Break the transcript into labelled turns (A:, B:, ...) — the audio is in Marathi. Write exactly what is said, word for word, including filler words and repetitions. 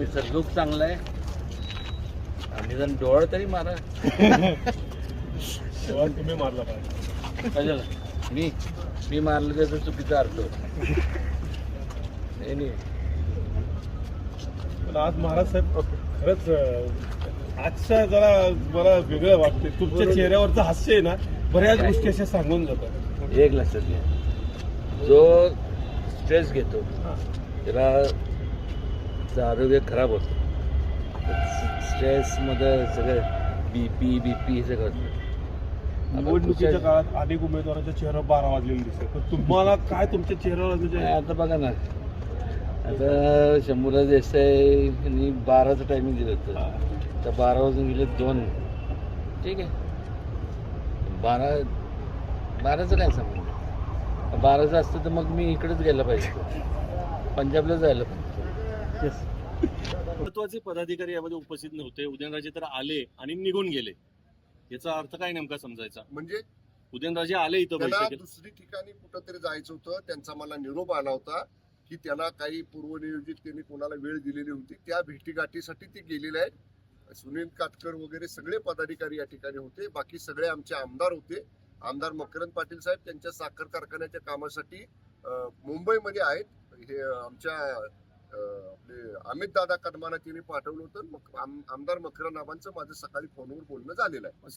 A: तुमचं लुक चांगला आहे आणि जण डोळ तरी मारा.
B: तुम्ही मारला पाहिजे.
A: काय झालं? मी मी मारलं त्याचा चुकीचा अर्थ होता. नाही नाही
B: पण आज महाराज साहेब खरंच आजच्या जरा मला वेगळं वाटते. तुमच्या चेहऱ्यावरचं हास्य आहे ना, बऱ्याच गोष्टी अशा सांगून जातात.
A: एक लक्षात घ्या, जो स्ट्रेस घेतो त्याला त्याचं आरोग्य खराब होतं. स्ट्रेसमध्ये सगळं बी पी बी पी हे सगळं होतं.
B: निवडणुकीच्या काळात अनेक उमेदवारांच्या चेहऱ्यावर बारा वाजलेले दिसते, पण तुम्हाला काय तुमच्या चेहऱ्यावर म्हणजे
A: आता बघा ना, आता शंभूराज देसाई बाराचं टायमिंग दिलं होतं, तर बारा वाजून गेले दोन. ठीक आहे, बारा बाराचं काय संबंध? बाराचं असतं तर मग मी इकडेच गेलं पाहिजे, पंजाबला जायला पाहिजे.
C: महत्वाचे पदाधिकारी यामध्ये उपस्थित नव्हते. उदयनराजे तर आले आणि निघून गेले, याचा अर्थ काय नेमका समजायचा?
D: म्हणजे
C: उदयनराजे आले इथं
D: त्यांना
C: बैठकीत,
D: दुसरी ठिकाणी कुठंतरी जायचं होतं. त्यांचा मला निरोप आला होता की त्यांना काही पूर्वनियोजित त्यांनी कोणाला वेळ दिलेली होती, त्या भेटीगाठीसाठी ते गेलेले आहेत. सुनील काटकर वगैरे सगळे पदाधिकारी या ठिकाणी होते. बाकी सगळे आमचे आमदार होते. आमदार मकरंद पाटील साहेब त्यांच्या साखर कारखान्याच्या कामासाठी मुंबईमध्ये आहेत. हे आमच्या आपले अमित दादा कदमाना त्यांनी पाठवलं होतं. मग आमदार मकरंद आबांचं माझं सकाळी फोनवर बोलणं झालेलं आहे.